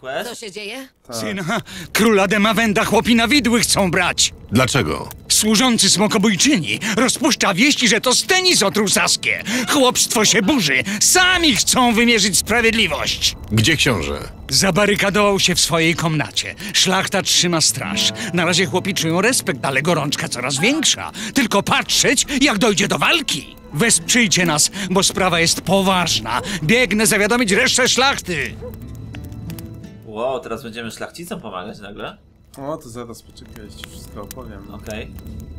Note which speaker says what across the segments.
Speaker 1: quest?
Speaker 2: Co się dzieje?
Speaker 3: Syna, króla Demawenda chłopina widły chcą brać.
Speaker 4: Dlaczego?
Speaker 3: Służący smokobójczyni rozpuszcza wieści, że to Stennis otruł Saskię. Chłopstwo się burzy. Sami chcą wymierzyć sprawiedliwość.
Speaker 4: Gdzie książę?
Speaker 3: Zabarykadował się w swojej komnacie. Szlachta trzyma straż. Na razie chłopi czują respekt, ale gorączka coraz większa. Tylko patrzeć, jak dojdzie do walki. Wesprzyjcie nas, bo sprawa jest poważna. Biegnę zawiadomić resztę szlachty.
Speaker 1: Wow, teraz będziemy szlachcicom pomagać nagle?
Speaker 5: O, to zaraz poczekaj, ci wszystko opowiem.
Speaker 1: Okej.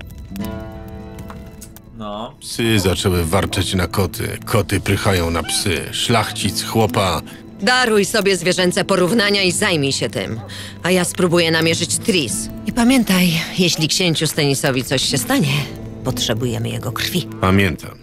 Speaker 1: No.
Speaker 4: Psy zaczęły warczeć na koty. Koty prychają na psy. Szlachcic, chłopa.
Speaker 2: Daruj sobie zwierzęce porównania i zajmij się tym. A ja spróbuję namierzyć Tris. I pamiętaj, jeśli księciu Stennisowi coś się stanie, potrzebujemy jego krwi.
Speaker 4: Pamiętam.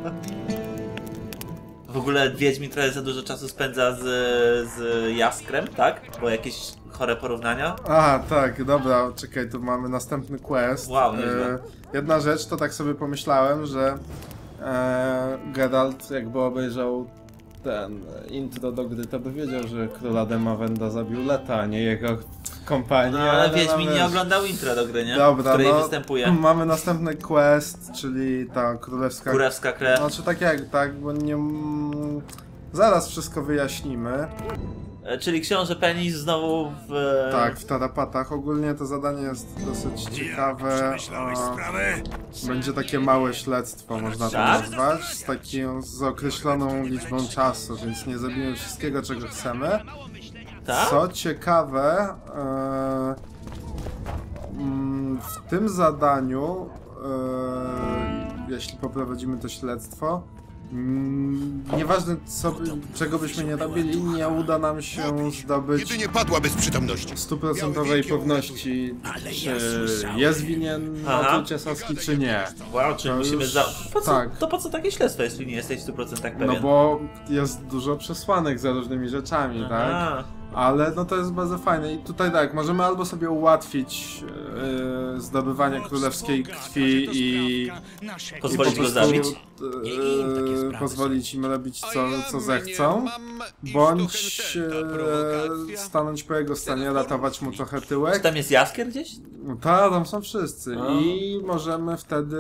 Speaker 1: W ogóle Wiedźmin trochę za dużo czasu spędza z Jaskrem, tak? Bo jakieś chore porównania.
Speaker 5: Aha, tak, dobra, czekaj, tu mamy następny quest.
Speaker 1: Wow, nieźle.
Speaker 5: Jedna rzecz, to tak sobie pomyślałem, że Geralt jakby obejrzał ten intro do gry, to by wiedział, że króla Demawenda zabił Leta, a nie jego kompanii.
Speaker 1: No ale Wiedźmin nie oglądał intro do gry, nie?
Speaker 5: Dobra,
Speaker 1: w której
Speaker 5: no,
Speaker 1: występuje.
Speaker 5: mamy następny quest, czyli ta królewska...
Speaker 1: Kurewska krew.
Speaker 5: Znaczy tak jak, tak, bo nie... Zaraz wszystko wyjaśnimy.
Speaker 1: Czyli książę Penis znowu w...
Speaker 5: Tak, w tarapatach. Ogólnie to zadanie jest dosyć ciekawe. Będzie takie małe śledztwo, można to
Speaker 1: Tak?
Speaker 5: nazwać, z określoną liczbą czasu, więc nie zrobimy wszystkiego, czego chcemy.
Speaker 1: Tak?
Speaker 5: Co ciekawe, w tym zadaniu, jeśli poprowadzimy to śledztwo, nieważne czego byśmy nie robili, nie uda nam się zdobyć
Speaker 6: Jedynie padła bez przytomności.
Speaker 5: 100% pewności, czy jest winien otrucie Saski, czy nie.
Speaker 1: Wow, czyli
Speaker 5: To
Speaker 1: musimy
Speaker 5: już-
Speaker 1: To po co takie śledztwo, jeśli nie jesteś 100% pewien?
Speaker 5: No bo jest dużo przesłanek za różnymi rzeczami, tak?
Speaker 1: Aha.
Speaker 5: Ale no to jest bardzo fajne i tutaj tak, możemy albo sobie ułatwić zdobywanie królewskiej krwi i
Speaker 1: Pozwolić
Speaker 5: po
Speaker 1: go
Speaker 5: prostu,
Speaker 1: zabić?
Speaker 5: pozwolić im robić co zechcą, bądź stanąć po jego stanie, ratować mu trochę
Speaker 1: Czy
Speaker 5: tyłek.
Speaker 1: tam jest Jaskier gdzieś?
Speaker 5: No tak, tam są wszyscy i możemy wtedy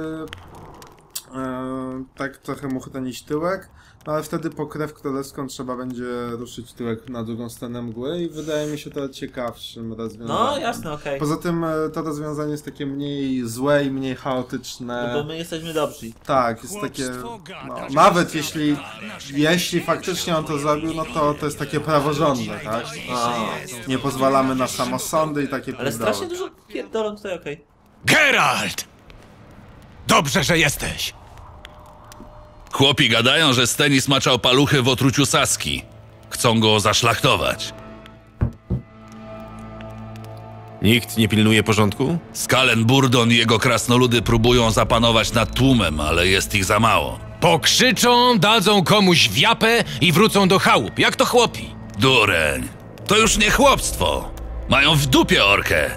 Speaker 5: tak trochę mu chronić tyłek, no ale wtedy po krew królewską trzeba będzie ruszyć tyłek na drugą stronę mgły i wydaje mi się to ciekawszym rozwiązaniem.
Speaker 1: No jasne, okej.
Speaker 5: Poza tym to rozwiązanie jest takie mniej złe i mniej chaotyczne.
Speaker 1: No bo my jesteśmy dobrzy.
Speaker 5: Tak, jest takie, no, nawet jeśli faktycznie on to zrobił, no to jest takie praworządne, tak? Nie pozwalamy na samosądy i takie
Speaker 1: Ale
Speaker 5: pierdoły.
Speaker 1: strasznie dużo pierdolą tutaj, okej.
Speaker 7: Geralt! Dobrze, że jesteś.
Speaker 8: Chłopi gadają, że Stennis maczał paluchy w otruciu Saski. Chcą go zaszlachtować.
Speaker 4: Nikt nie pilnuje porządku?
Speaker 8: Skalen Burdon i jego krasnoludy próbują zapanować nad tłumem, ale jest ich za mało.
Speaker 7: Pokrzyczą, dadzą komuś wiapę i wrócą do chałup, jak to chłopi.
Speaker 8: Dureń, to już nie chłopstwo. Mają w dupie orkę.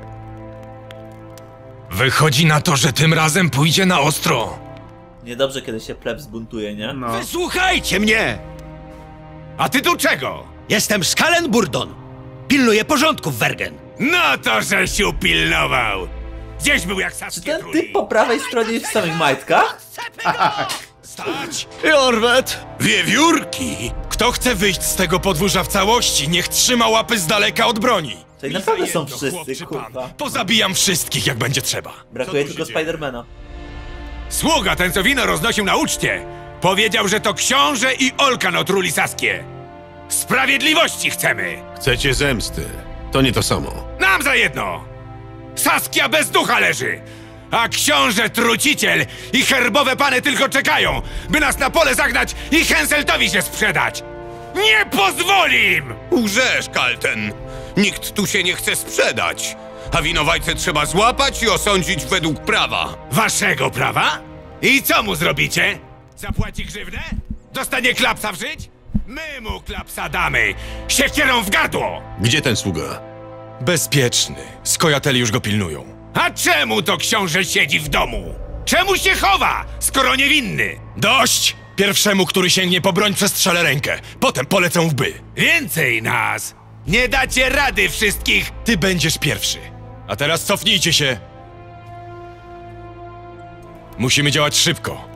Speaker 7: Wychodzi na to, że tym razem pójdzie na ostro.
Speaker 1: Niedobrze, kiedy się pleb zbuntuje, nie?
Speaker 5: No.
Speaker 9: Wysłuchajcie mnie! A ty tu czego? Jestem Skalen Burdon. Pilnuję porządku w Wergen. No to, żeś upilnował. Gdzieś był jak
Speaker 1: Czy
Speaker 9: Saskie
Speaker 1: ten typ po prawej stronie jest w samych majtkach?
Speaker 9: Stać!
Speaker 7: Jorwet!
Speaker 9: Wiewiórki!
Speaker 7: Kto chce wyjść z tego podwórza w całości, niech trzyma łapy z daleka od broni.
Speaker 1: Tutaj naprawdę są wszyscy, kurwa.
Speaker 7: Pozabijam wszystkich, jak będzie trzeba.
Speaker 1: Brakuje tylko Spidermana.
Speaker 9: Sługa ten, co wino roznosił na uczcie, powiedział, że to książę i Olkan otruli Saskię. Sprawiedliwości chcemy!
Speaker 4: Chcecie zemsty. To nie to samo.
Speaker 9: Nam za jedno! Saskia bez ducha leży! A książę truciciel i herbowe pany tylko czekają, by nas na pole zagnać i Henseltowi się sprzedać! Nie pozwolim! Łżesz, Kalten! Nikt tu się nie chce sprzedać! A winowajcę trzeba złapać i osądzić według prawa. Waszego prawa? I co mu zrobicie? Zapłaci grzywnę? Dostanie klapsa w żyć? My mu klapsa damy! Siekierą w gardło!
Speaker 4: Gdzie ten sługa?
Speaker 7: Bezpieczny. Skojateli już go pilnują.
Speaker 9: A czemu to książę siedzi w domu? Czemu się chowa, skoro niewinny?
Speaker 7: Dość! Pierwszemu, który sięgnie po broń, przestrzelę rękę. Potem polecę w by.
Speaker 9: Więcej nas! Nie dacie rady wszystkich!
Speaker 6: Ty będziesz pierwszy. A teraz cofnijcie się. Musimy działać szybko.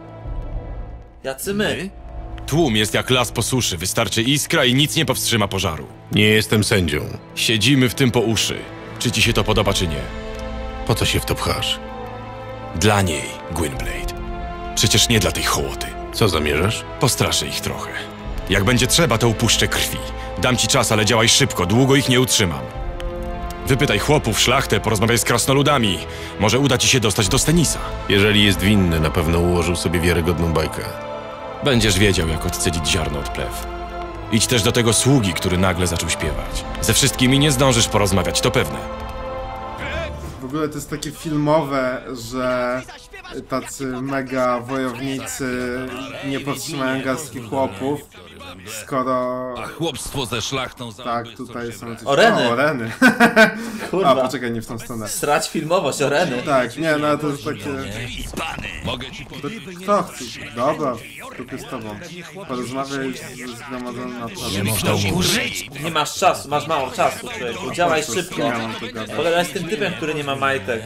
Speaker 1: Jacy my?
Speaker 6: Tłum jest jak las po suszy. Wystarczy iskra i nic nie powstrzyma pożaru.
Speaker 4: Nie jestem sędzią.
Speaker 6: Siedzimy w tym po uszy. Czy ci się to podoba, czy nie?
Speaker 4: Po co się w to pchasz?
Speaker 6: Dla niej, Gwynblade. Przecież nie dla tej hołoty.
Speaker 4: Co zamierzasz?
Speaker 6: Postraszę ich trochę. Jak będzie trzeba, to upuszczę krwi. Dam ci czas, ale działaj szybko. Długo ich nie utrzymam. Wypytaj chłopów, szlachtę, porozmawiaj z krasnoludami. Może uda ci się dostać do Stenisa.
Speaker 4: Jeżeli jest winny, na pewno ułożył sobie wiarygodną bajkę.
Speaker 6: Będziesz wiedział, jak odcedzić ziarno od plew. Idź też do tego sługi, który nagle zaczął śpiewać. Ze wszystkimi nie zdążysz porozmawiać, to pewne.
Speaker 5: W ogóle to jest takie filmowe, że tacy mega wojownicy nie powstrzymają garstki chłopów, skoro...
Speaker 8: A chłopstwo ze szlachtą...
Speaker 5: Tak, tutaj są jakieś...
Speaker 1: Oreny.
Speaker 5: O, oreny.
Speaker 1: Kurwa.
Speaker 5: A, poczekaj, nie w tą stronę.
Speaker 1: Strać filmowość, oreny.
Speaker 5: Tak, nie, no to jest takie...
Speaker 8: Mogę ci powiedzieć...
Speaker 5: Kto chce? Dobra, tylko z tobą. Porozmawiaj z zgromadzonym na
Speaker 1: Nie masz czasu, masz mało czasu, człowieku. Działaj szybko. Pogadaj z tym typem, który nie ma majtek.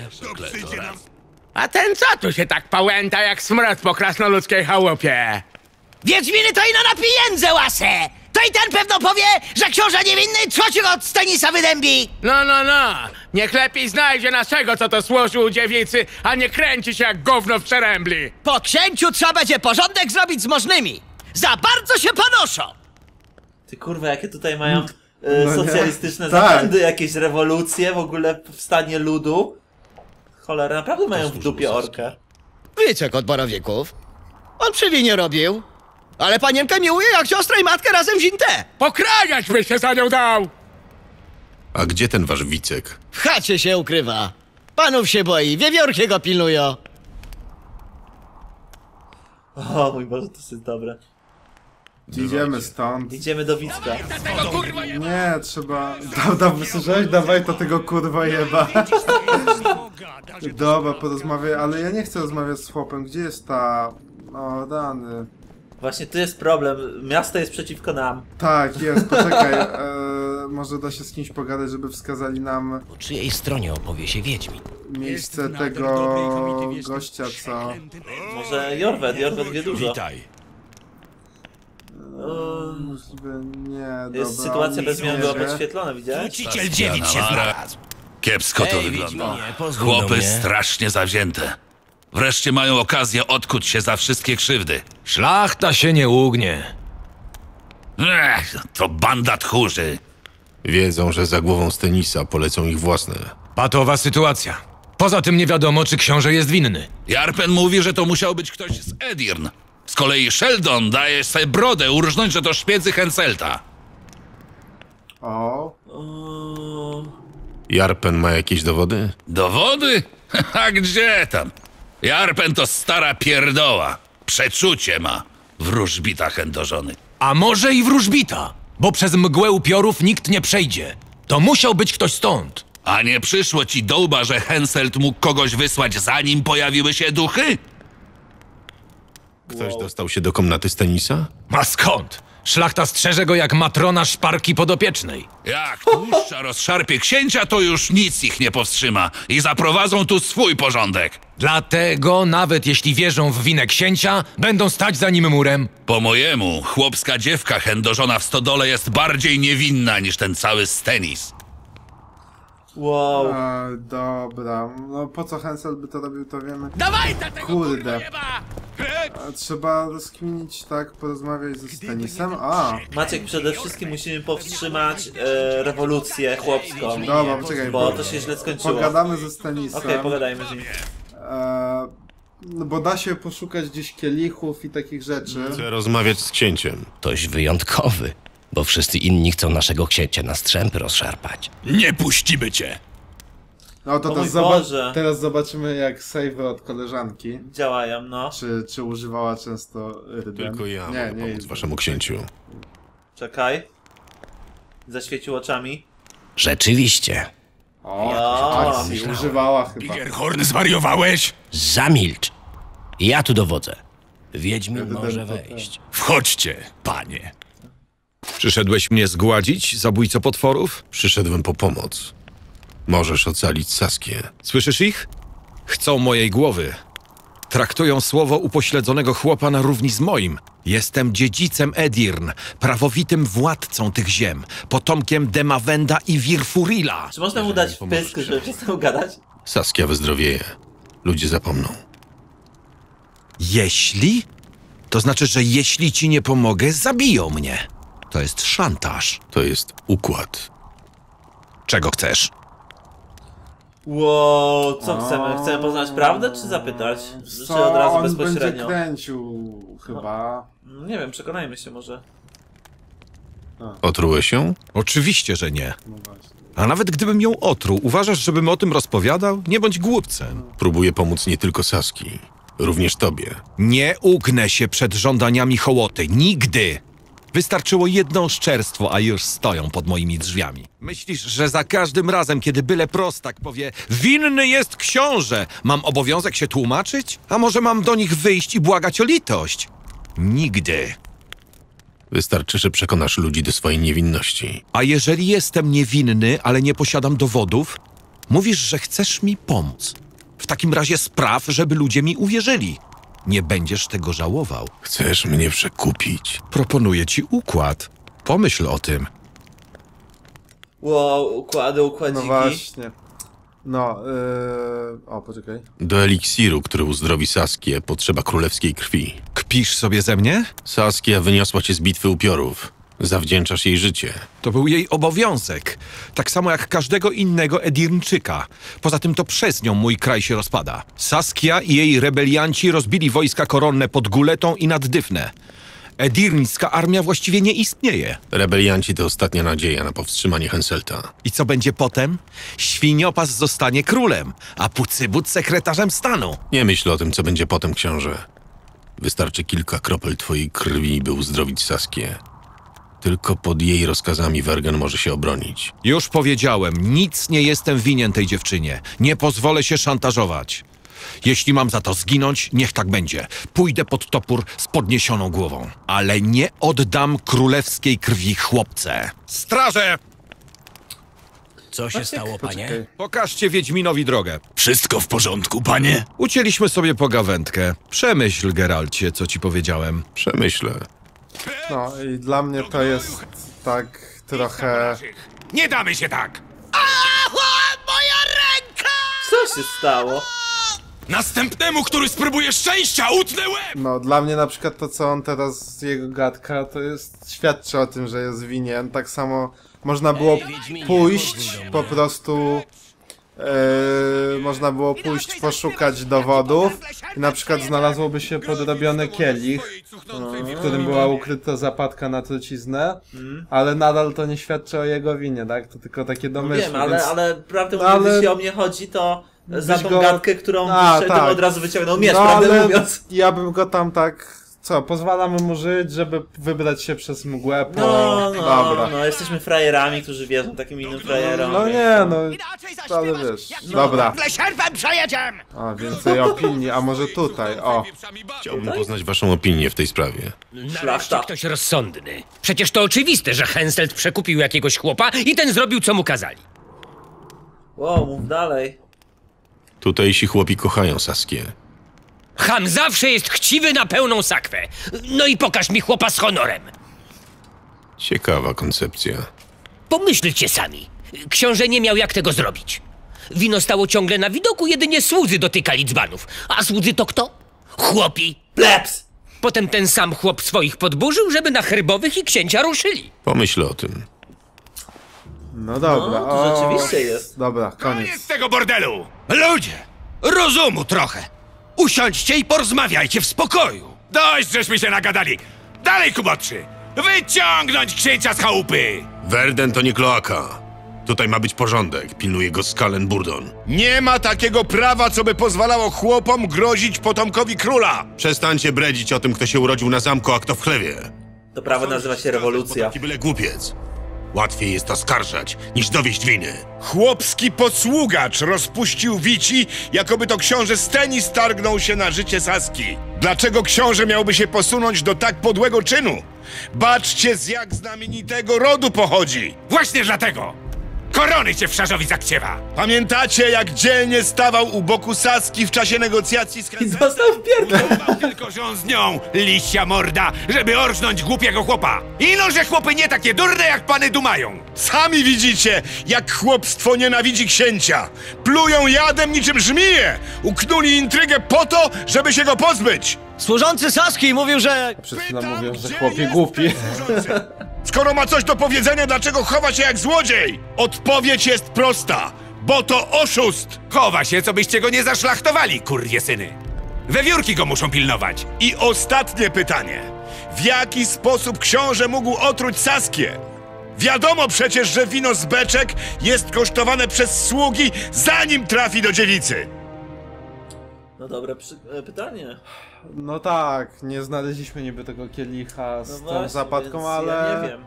Speaker 10: A ten co tu się tak pałęta jak smrot po krasnoludzkiej chałupie?
Speaker 11: Wiedźminy to ino na pieniądze łasę! To i ten pewno powie, że książę niewinny trzociu od Stenisa wydębi!
Speaker 10: No, niech lepiej znajdzie naszego, co to służył dziewicy, a nie kręci się jak gówno w przerębli.
Speaker 11: Po księciu trzeba będzie porządek zrobić z możnymi! Za bardzo się panoszą!
Speaker 1: Ty kurwa, jakie tutaj mają
Speaker 5: No
Speaker 1: socjalistyczne
Speaker 5: nie. Tak.
Speaker 1: zapędy, jakieś rewolucje, w ogóle powstanie ludu. Cholera, naprawdę mają w dupie orkę.
Speaker 11: Wiecie, kot Borowieków, on przywinie robił, ale panienkę miłuje jak siostrę i matkę razem wzięte.
Speaker 10: Pokrajać by się za nią dał!
Speaker 4: A gdzie ten wasz Wicek?
Speaker 11: W chacie się ukrywa. Panów się boi, wiewiórki go pilnują.
Speaker 1: O mój Boże, to jest dobre.
Speaker 5: Idziemy stąd.
Speaker 1: Idziemy do Wicka.
Speaker 5: Nie, trzeba... Słyszałeś? Dawaj to tego kurwa jeba. Dobra, porozmawiaj, ale ja nie chcę rozmawiać z chłopem. Gdzie jest ta... O, rany.
Speaker 1: Właśnie tu jest problem. Miasto jest przeciwko nam.
Speaker 5: Tak, jest, poczekaj. Może da się z kimś pogadać, żeby wskazali nam
Speaker 11: Po czyjej stronie opowie się Wiedźmin?
Speaker 5: miejsce tego gościa, co...
Speaker 1: Może Jorwet wie dużo.
Speaker 6: Witaj.
Speaker 5: Możliwe nie,
Speaker 1: Jest
Speaker 5: dobra.
Speaker 1: sytuacja bez
Speaker 5: nic
Speaker 1: zmian
Speaker 5: nie
Speaker 1: była
Speaker 5: wie.
Speaker 1: podświetlona, widziałeś?
Speaker 11: Truciciel dziewic się znalazł.
Speaker 8: Kiepsko to wygląda. Chłopy strasznie zawzięte. Wreszcie mają okazję odkuć się za wszystkie krzywdy.
Speaker 7: Szlachta się nie ugnie.
Speaker 8: To banda tchórzy.
Speaker 4: Wiedzą, że za głową Stenisa polecą ich własne.
Speaker 7: Patowa sytuacja. Poza tym nie wiadomo, czy książę jest winny.
Speaker 8: Jarpen mówi, że to musiał być ktoś z Edirn. Z kolei Sheldon daje sobie brodę urżnąć, że to szpiedzy Henselta.
Speaker 5: O,
Speaker 4: Jarpen ma jakieś dowody?
Speaker 8: Dowody? A gdzie tam? Jarpen to stara pierdoła. Przeczucie ma. Wróżbita chędożony.
Speaker 7: A może i wróżbita, bo przez mgłę upiorów nikt nie przejdzie. To musiał być ktoś stąd.
Speaker 8: A nie przyszło ci do łba, że Henselt mógł kogoś wysłać, zanim pojawiły się duchy?
Speaker 4: Ktoś dostał się do komnaty Stenisa?
Speaker 7: A skąd? Szlachta strzeże go jak matrona szparki podopiecznej.
Speaker 8: Jak tłuszcza rozszarpie księcia, to już nic ich nie powstrzyma i zaprowadzą tu swój porządek.
Speaker 7: Dlatego, nawet jeśli wierzą w winę księcia, będą stać za nim murem.
Speaker 8: Po mojemu, chłopska dziewka chędożona w stodole jest bardziej niewinna niż ten cały Stenis.
Speaker 1: Wow.
Speaker 5: dobra. No po co Hensel by to robił, to wiemy.
Speaker 10: Dawaj tego
Speaker 5: Kurde.
Speaker 10: jeba!
Speaker 5: Trzeba rozkminić, tak, porozmawiać ze Stenisem. A,
Speaker 1: Maciek, przede wszystkim musimy powstrzymać rewolucję chłopską.
Speaker 5: dobra, poczekaj,
Speaker 1: Bo to się źle skończyło.
Speaker 5: pogadamy ze Stenisem.
Speaker 1: Okej, pogadajmy z nim.
Speaker 5: No bo da się poszukać gdzieś kielichów i takich rzeczy.
Speaker 4: Chcę rozmawiać z księciem.
Speaker 11: Ktoś wyjątkowy, bo wszyscy inni chcą naszego księcia na strzępy rozszarpać.
Speaker 6: Nie puścimy cię.
Speaker 5: No to
Speaker 1: O mój
Speaker 5: teraz,
Speaker 1: Boże.
Speaker 5: teraz zobaczymy jak save od koleżanki.
Speaker 1: Działają, no.
Speaker 5: Czy używała często rydem.
Speaker 4: Tylko ja
Speaker 5: Nie,
Speaker 4: mogę
Speaker 5: nie
Speaker 4: pomóc waszemu księciu.
Speaker 1: Czekaj. Zaświecił oczami.
Speaker 11: Rzeczywiście.
Speaker 5: O, akcji używała chyba.
Speaker 9: Gerhorn, zwariowałeś?
Speaker 11: Zamilcz. Ja tu dowodzę. Wiedźmin może wejść.
Speaker 9: Wchodźcie, panie.
Speaker 6: Przyszedłeś mnie zgładzić, zabójco potworów?
Speaker 4: Przyszedłem po pomoc. Możesz ocalić Saskię.
Speaker 6: Słyszysz ich? Chcą mojej głowy. Traktują słowo upośledzonego chłopa na równi z moim. Jestem dziedzicem Edirn, prawowitym władcą tych ziem, potomkiem Demawenda i Wirfurila.
Speaker 1: Czy można mu dać pysk, żeby przestał gadać?
Speaker 4: Saskia wyzdrowieje. Ludzie zapomną.
Speaker 6: Jeśli? To znaczy, że jeśli ci nie pomogę, zabiją mnie. To jest szantaż.
Speaker 4: To jest układ.
Speaker 6: Czego chcesz?
Speaker 1: Wow, co chcemy? Chcemy poznać prawdę, czy zapytać? Czy od razu
Speaker 5: on
Speaker 1: bezpośrednio?
Speaker 5: będzie kręcił chyba.
Speaker 1: No, nie wiem, przekonajmy się może.
Speaker 4: Otrułeś ją?
Speaker 6: Oczywiście, że nie.
Speaker 5: No właśnie.
Speaker 6: A nawet gdybym ją otruł, uważasz, żebym o tym rozpowiadał? Nie bądź głupcem.
Speaker 4: Próbuję pomóc nie tylko Saski, również tobie.
Speaker 6: Nie ugnę się przed żądaniami hołoty. Nigdy! Wystarczyło jedno oszczerstwo, a już stoją pod moimi drzwiami. Myślisz, że za każdym razem, kiedy byle prostak powie winny jest książę, mam obowiązek się tłumaczyć? A może mam do nich wyjść i błagać o litość? Nigdy.
Speaker 4: Wystarczy, że przekonasz ludzi do swojej niewinności.
Speaker 6: A jeżeli jestem niewinny, ale nie posiadam dowodów, mówisz, że chcesz mi pomóc. W takim razie spraw, żeby ludzie mi uwierzyli. Nie będziesz tego żałował.
Speaker 4: Chcesz mnie przekupić?
Speaker 6: Proponuję ci układ. Pomyśl o tym.
Speaker 1: Wow, układziki.
Speaker 5: No właśnie. No, o, poczekaj.
Speaker 4: Do eliksiru, który uzdrowi Saskię, potrzeba królewskiej krwi.
Speaker 6: Kpisz sobie ze mnie?
Speaker 4: Saskia wyniosła cię z bitwy upiorów. Zawdzięczasz jej życie.
Speaker 6: To był jej obowiązek. Tak samo jak każdego innego Edirnczyka. Poza tym to przez nią mój kraj się rozpada. Saskia i jej rebelianci rozbili wojska koronne pod Guletą i nad Dyfnę. Edirńska armia właściwie nie istnieje.
Speaker 4: Rebelianci to ostatnia nadzieja na powstrzymanie Henselta.
Speaker 6: I co będzie potem? Świniopas zostanie królem, a Pucybut sekretarzem stanu.
Speaker 4: Nie myśl o tym, co będzie potem, książę. Wystarczy kilka kropel twojej krwi, by uzdrowić Saskię. Tylko pod jej rozkazami Wergen może się obronić.
Speaker 6: Już powiedziałem, nic nie jestem winien tej dziewczynie. Nie pozwolę się szantażować. Jeśli mam za to zginąć, niech tak będzie. Pójdę pod topór z podniesioną głową. Ale nie oddam królewskiej krwi chłopce. Straże!
Speaker 7: Co się stało, panie?
Speaker 6: Pokażcie Wiedźminowi drogę.
Speaker 7: Wszystko w porządku, panie?
Speaker 6: Ucięliśmy sobie pogawędkę. Przemyśl, Geralcie, co ci powiedziałem.
Speaker 4: Przemyślę.
Speaker 5: No i dla mnie to jest tak trochę...
Speaker 9: Nie damy się tak!
Speaker 11: Moja ręka!
Speaker 1: Co się stało?
Speaker 9: Następnemu, który spróbuje szczęścia, utnę łeb!
Speaker 5: No, dla mnie na przykład to, co on teraz, jego gadka, to jest, świadczy o tym, że jest winien. Tak samo można było pójść, po prostu... można było pójść, poszukać dowodów i na przykład znalazłoby się podrobiony kielich, w którym była ukryta zapadka na truciznę, ale nadal to nie świadczy o jego winie, tak? To tylko takie domysły.
Speaker 1: Wiem,
Speaker 5: więc...
Speaker 1: ale prawdę mówiąc, jeśli o mnie chodzi, to za tą gadkę, którą wyszedłem, od razu wyciągnął miecz, prawdę mówiąc.
Speaker 5: Ja bym go tam tak... Co, pozwalamy mu żyć, żeby wybrać się przez mgłę po... Dobra.
Speaker 1: No, jesteśmy frajerami, którzy wierzą takim innym frajerom.
Speaker 5: No nie, no, ale wiesz, dobra.
Speaker 11: Sierpem przejedziemy!
Speaker 5: A, więcej opinii, a może tutaj, o.
Speaker 4: Chciałbym poznać waszą opinię w tej sprawie.
Speaker 12: Nareszcie ktoś rozsądny. Przecież to oczywiste, że Henselt przekupił jakiegoś chłopa i ten zrobił, co mu kazali.
Speaker 1: Wow, mów dalej.
Speaker 4: Tutejsi chłopi kochają Saskię.
Speaker 12: Ham zawsze jest chciwy na pełną sakwę. No i pokaż mi chłopa z honorem.
Speaker 4: Ciekawa koncepcja.
Speaker 12: Pomyślcie sami. Książę nie miał jak tego zrobić. Wino stało ciągle na widoku, jedynie słudzy dotykali dzbanów. A słudzy to kto? Chłopi.
Speaker 1: Plebs!
Speaker 12: Potem ten sam chłop swoich podburzył, żeby na herbowych i księcia ruszyli.
Speaker 4: Pomyśl o tym.
Speaker 5: No dobra,
Speaker 1: No, to rzeczywiście jest.
Speaker 5: Dobra, koniec.
Speaker 9: Z tego bordelu!
Speaker 7: Ludzie, rozumu trochę. Usiądźcie i porozmawiajcie w spokoju.
Speaker 9: Dość, żeśmy się nagadali! Dalej, kubotrzy! Wyciągnąć księcia z chałupy!
Speaker 4: Werden to nie kloaka. Tutaj ma być porządek. Pilnuje go Skalen Burdon.
Speaker 13: Nie ma takiego prawa, co by pozwalało chłopom grozić potomkowi króla.
Speaker 4: Przestańcie bredzić o tym, kto się urodził na zamku, a kto w chlewie.
Speaker 1: To prawo nazywa się rewolucja.
Speaker 4: Taki byle głupiec.
Speaker 13: Łatwiej jest oskarżać, niż dowieść winy. Chłopski posługacz rozpuścił wici, jakoby to książę Stennis targnął się na życie Saski. Dlaczego książę miałby się posunąć do tak podłego czynu? Baczcie, z jak znamienitego rodu pochodzi.
Speaker 9: Właśnie dlatego! Korony cię wszarzowi zakciewa!
Speaker 13: Pamiętacie, jak dzielnie stawał u boku Saski w czasie negocjacji z Henseltem?
Speaker 9: Udawał tylko, że on z nią, liścia morda, żeby orżnąć głupiego chłopa. Ino, że chłopy nie takie durne, jak pany dumają.
Speaker 13: Sami widzicie, jak chłopstwo nienawidzi księcia. Plują jadem niczym żmije. Uknuli intrygę po to, żeby się go pozbyć.
Speaker 11: Służący Saski mówił, że...
Speaker 5: Przed chwilą mówią, że chłopie głupi.
Speaker 13: Skoro ma coś do powiedzenia, dlaczego chowa się jak złodziej? Odpowiedź jest prosta, bo to oszust!
Speaker 9: Chowa się, co byście go nie zaszlachtowali, kurjesyny. Wewiórki go muszą pilnować.
Speaker 13: I ostatnie pytanie. W jaki sposób książę mógł otruć Saskię? Wiadomo przecież, że wino z beczek jest kosztowane przez sługi, zanim trafi do dziewicy.
Speaker 1: No dobre pytanie.
Speaker 5: No tak, nie znaleźliśmy niby tego kielicha z tą
Speaker 1: właśnie,
Speaker 5: zapadką, ale...
Speaker 1: Ja nie wiem.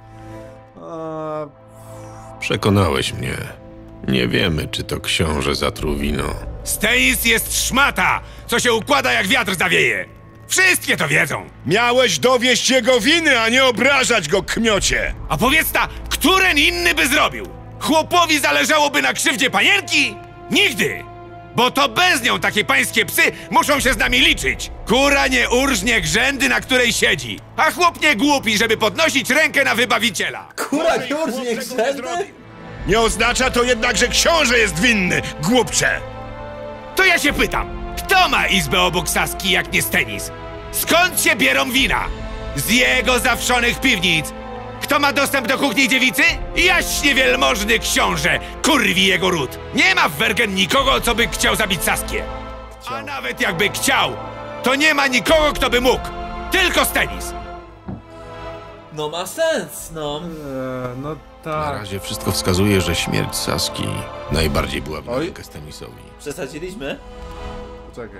Speaker 4: Przekonałeś mnie. Nie wiemy, czy to książę zatruł wino.
Speaker 9: Stennis jest szmata, co się układa jak wiatr zawieje. Wszystkie to wiedzą.
Speaker 13: Miałeś dowieść jego winy, a nie obrażać go, kmiocie.
Speaker 9: A powiedz ta, któren inny by zrobił? Chłopowi zależałoby na krzywdzie panienki? Nigdy! Bo to bez nią takie pańskie psy muszą się z nami liczyć. Kura nie urżnie grzędy, na której siedzi. A chłop nie głupi, żeby podnosić rękę na wybawiciela.
Speaker 1: Kura nie urżnie grzędy?
Speaker 13: Nie oznacza to jednak, że książę jest winny, głupcze.
Speaker 9: To ja się pytam, kto ma izbę obok Saski jak nie Stennis? Skąd się bierą wina? Z jego zawszonych piwnic. Kto ma dostęp do kuchni dziewicy? Jaśnie wielmożny książę, kurwi jego ród. Nie ma w Wergen nikogo, co by chciał zabić Saskię. A nawet jakby chciał, to nie ma nikogo, kto by mógł. Tylko Stennis.
Speaker 1: No ma sens, no.
Speaker 5: No tak.
Speaker 4: Na razie wszystko wskazuje, że śmierć Saski najbardziej była w rękę Stennisowi.
Speaker 1: Przesadziliśmy?
Speaker 5: Czekaj.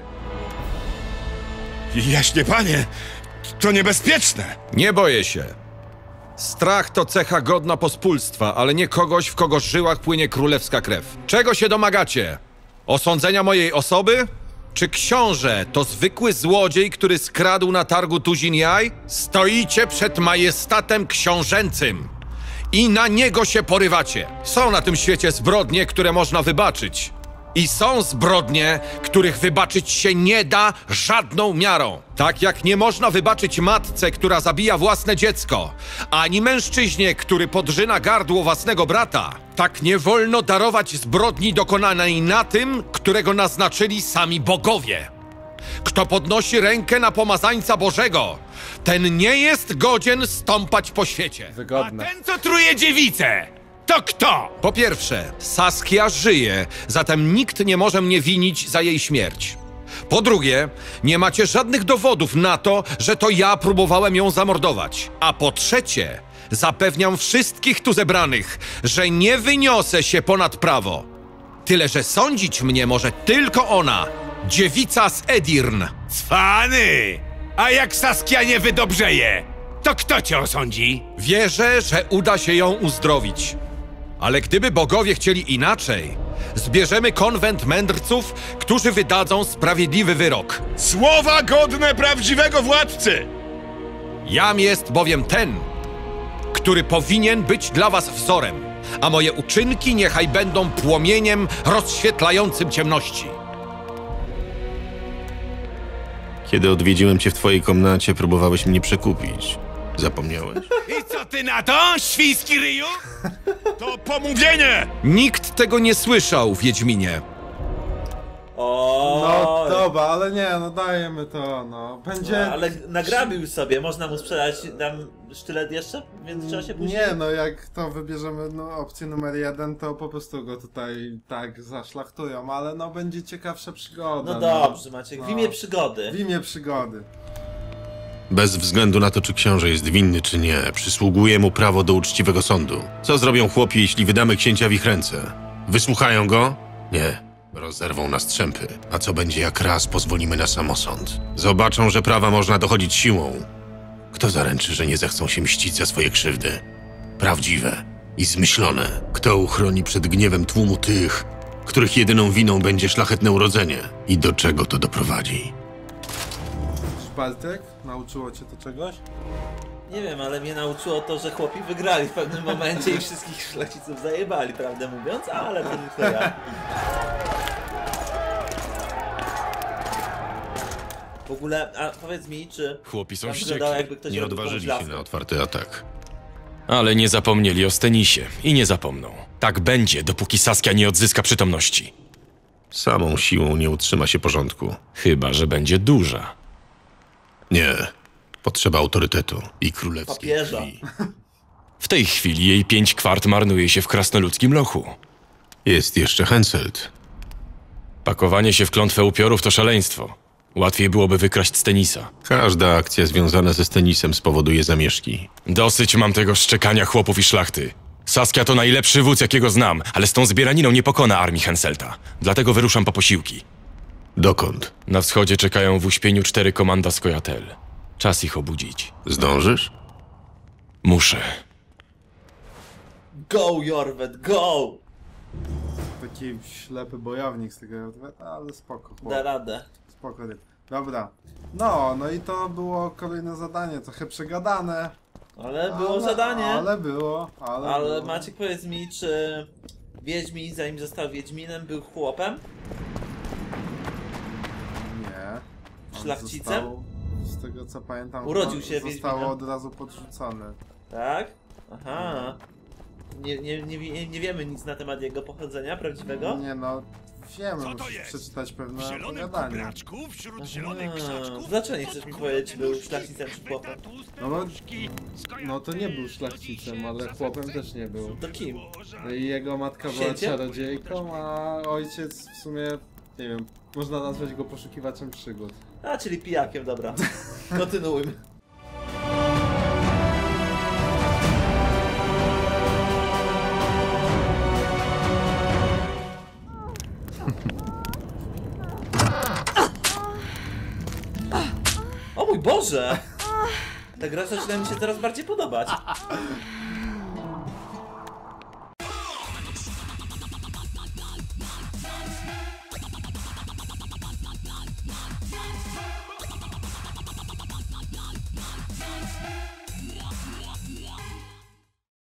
Speaker 13: Jaśnie panie, to niebezpieczne.
Speaker 14: Nie boję się. Strach to cecha godna pospólstwa, ale nie kogoś, w kogo żyłach płynie królewska krew. Czego się domagacie? Osądzenia mojej osoby? Czy książę to zwykły złodziej, który skradł na targu tuzin jaj? Stoicie przed majestatem książęcym i na niego się porywacie. Są na tym świecie zbrodnie, które można wybaczyć. I są zbrodnie, których wybaczyć się nie da żadną miarą. Tak jak nie można wybaczyć matce, która zabija własne dziecko, ani mężczyźnie, który podrzyna gardło własnego brata, tak nie wolno darować zbrodni dokonanej na tym, którego naznaczyli sami bogowie. Kto podnosi rękę na pomazańca Bożego, ten nie jest godzien stąpać po świecie.
Speaker 5: Wygodne.
Speaker 9: A ten, co truje dziewicę, to kto?
Speaker 14: Po pierwsze, Saskia żyje, zatem nikt nie może mnie winić za jej śmierć. Po drugie, nie macie żadnych dowodów na to, że to ja próbowałem ją zamordować. A po trzecie, zapewniam wszystkich tu zebranych, że nie wyniosę się ponad prawo. Tyle, że sądzić mnie może tylko ona, dziewica z Edirn.
Speaker 9: Cwany! A jak Saskia nie wydobrzeje, to kto cię osądzi?
Speaker 14: Wierzę, że uda się ją uzdrowić. Ale gdyby bogowie chcieli inaczej, zbierzemy konwent mędrców, którzy wydadzą sprawiedliwy wyrok.
Speaker 13: Słowa godne prawdziwego władcy!
Speaker 14: Jam jest bowiem ten, który powinien być dla was wzorem, a moje uczynki niechaj będą płomieniem rozświetlającym ciemności.
Speaker 4: Kiedy odwiedziłem cię w twojej komnacie, próbowałeś mnie przekupić. Zapomniałeś?
Speaker 9: I co ty na to, świński ryju?
Speaker 13: To pomówienie!
Speaker 14: Nikt tego nie słyszał, Wiedźminie.
Speaker 5: No dobra, ale nie, no dajemy to, no. Będzie...
Speaker 1: No, ale nagrabił sobie, można mu sprzedać tam sztylet jeszcze? Więc trzeba się później...
Speaker 5: Nie, no jak to wybierzemy opcję numer 1, to po prostu go tutaj tak zaszlachtują, ale no będzie ciekawsza przygoda.
Speaker 1: No dobrze, Maciek, w imię przygody.
Speaker 5: W imię przygody.
Speaker 4: Bez względu na to, czy książę jest winny, czy nie, przysługuje mu prawo do uczciwego sądu. Co zrobią chłopi, jeśli wydamy księcia w ich ręce? Wysłuchają go? Nie. Rozerwą na strzępy. A co będzie, jak raz pozwolimy na samosąd? Zobaczą, że prawa można dochodzić siłą. Kto zaręczy, że nie zechcą się mścić za swoje krzywdy? Prawdziwe, i zmyślone. Kto uchroni przed gniewem tłumu tych, których jedyną winą będzie szlachetne urodzenie? I do czego to doprowadzi?
Speaker 5: Bartek? Nauczyło cię to czegoś?
Speaker 1: Nie wiem, ale mnie nauczyło to, że chłopi wygrali w pewnym momencie i wszystkich szlachciców zajebali, prawdę mówiąc, ale to nie to ja. W ogóle, a powiedz mi, czy...
Speaker 6: Chłopi są
Speaker 1: tam
Speaker 6: wściekli.
Speaker 1: wyglądało, jakby ktoś
Speaker 4: Nie
Speaker 1: robił
Speaker 4: odważyli
Speaker 1: komuś
Speaker 4: się na
Speaker 1: laskę.
Speaker 4: otwarty atak.
Speaker 6: Ale nie zapomnieli o Stenisie i nie zapomną. Tak będzie, dopóki Saskia nie odzyska przytomności.
Speaker 4: Samą siłą nie utrzyma się porządku.
Speaker 6: Chyba że będzie duża.
Speaker 4: Nie. Potrzeba autorytetu i królewskiej
Speaker 1: Papieża.
Speaker 4: krwi.
Speaker 6: W tej chwili jej 5 kwart marnuje się w krasnoludzkim lochu.
Speaker 4: Jest jeszcze Henselt.
Speaker 6: Pakowanie się w klątwę upiorów to szaleństwo. Łatwiej byłoby wykraść Stenisa.
Speaker 4: Każda akcja związana ze Stenisem spowoduje zamieszki.
Speaker 6: Dosyć mam tego szczekania chłopów i szlachty. Saskia to najlepszy wódz, jakiego znam, ale z tą zbieraniną nie pokona armii Henselta. Dlatego wyruszam po posiłki.
Speaker 4: Dokąd?
Speaker 6: Na wschodzie czekają w uśpieniu 4 komanda Skojatel. Czas ich obudzić.
Speaker 4: Zdążysz?
Speaker 6: Muszę.
Speaker 1: Go, Jorwet, go!
Speaker 5: Taki ślepy bojownik z tego Jorweta, ale spoko. Chłop.
Speaker 1: Da radę.
Speaker 5: Spoko. Dobra. No i to było kolejne zadanie, trochę przegadane.
Speaker 1: Ale było zadanie.
Speaker 5: Ale było.
Speaker 1: Maciek, powiedz mi, czy Wiedźmin, zanim został Wiedźminem, był chłopem?
Speaker 5: Nie. On
Speaker 1: Szlachcicem?
Speaker 5: Z tego co pamiętam,
Speaker 1: Urodził się
Speaker 5: zostało
Speaker 1: Wiedźminem.
Speaker 5: od razu podrzucone.
Speaker 1: Tak? Aha. Nie wiemy nic na temat jego pochodzenia prawdziwego?
Speaker 5: Nie no, wiemy, musisz przeczytać pewne opowiadanie.
Speaker 1: Dlaczego nie chcesz mi powiedzieć, czy był szlachcicem czy chłopem?
Speaker 5: No to nie był szlachcicem, ale chłopem też nie był.
Speaker 1: To kim?
Speaker 5: I jego matka była
Speaker 1: Księciem?
Speaker 5: czarodziejką, a ojciec w sumie, nie wiem, można nazwać go poszukiwaczem przygód.
Speaker 1: A, czyli pijakiem, dobra. Kontynuujmy. O mój Boże! Ta gra zaczyna mi się coraz bardziej podobać.